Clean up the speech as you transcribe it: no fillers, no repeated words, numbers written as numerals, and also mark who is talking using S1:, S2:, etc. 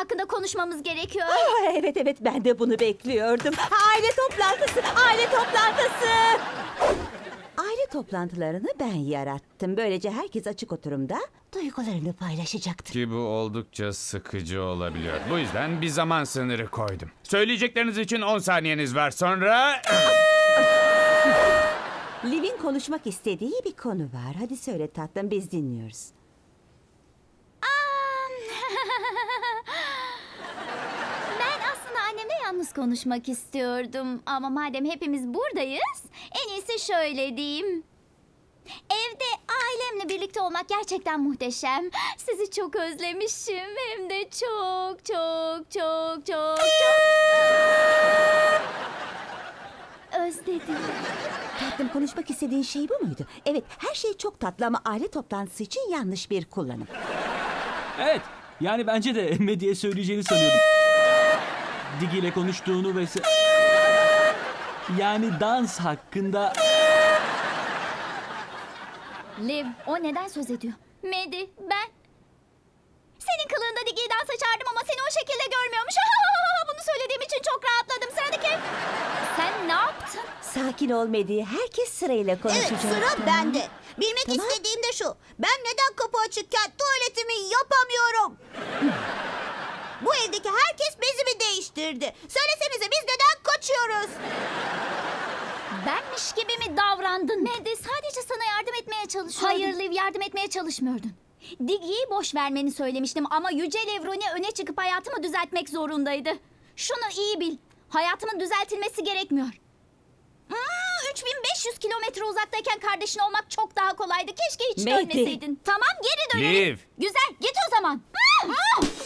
S1: hakkında konuşmamız gerekiyor.
S2: Evet ben de bunu bekliyordum. Aile toplantısı, aile toplantısı. Aile toplantılarını ben yarattım. Böylece herkes açık oturumda duygularını paylaşacaktır.
S3: Ki bu oldukça sıkıcı olabiliyor. Bu yüzden bir zaman sınırı koydum. Söyleyecekleriniz için 10 saniyeniz var, sonra...
S2: Liv'in konuşmak istediği bir konu var. Hadi söyle tatlım, biz dinliyoruz.
S1: Ben aslında annemle yalnız konuşmak istiyordum. Ama madem hepimiz buradayız, en iyisi şöyle diyeyim. Evde ailemle birlikte olmak gerçekten muhteşem. Sizi çok özlemişim. Hem de çok çok çok çok çok özledim.
S2: Tatlım, konuşmak istediğin şey bu muydu? Evet, her şey çok tatlı ama aile toplantısı için yanlış bir kullanım.
S4: Evet. Yani bence de Medya'ya söyleyeceğini sanıyordum. Digi ile konuştuğunu ve... Yani dans hakkında...
S1: Liv, o neden söz ediyor? Medi, ben... Senin kılığında Digi'yi dansa çağırdım ama seni o şekilde görmüyormuş. Bunu söylediğim için çok rahatladım. Sıradaki... Sen ne yaptın?
S2: Sakin ol Medi, herkes sırayla
S5: Evet,
S2: konuşacak.
S5: sıra bende. Bilmek
S2: Tamam.
S5: istediğim de şu. Ben neden kapı açıkken tuvaletimi yapamıyorum? Bu evdeki herkes bezimi değiştirdi. Söylesenize, biz neden kaçıyoruz?
S1: Benmiş gibi mi davrandın? Medi, sadece sana yardım etmeye çalışıyordum. Hayır Liv, yardım etmeye çalışmıyordun. Digi'yi boş vermeni söylemiştim ama Yüce Levroni öne çıkıp hayatımı düzeltmek zorundaydı. Şunu iyi bil. Hayatımın düzeltilmesi gerekmiyor. 3500 kilometre uzaktayken kardeşin olmak çok daha kolaydı. Keşke hiç
S2: Mehdi.
S1: dönmeseydin. Tamam, geri dönelim.
S3: Liv.
S1: Güzel, git o zaman.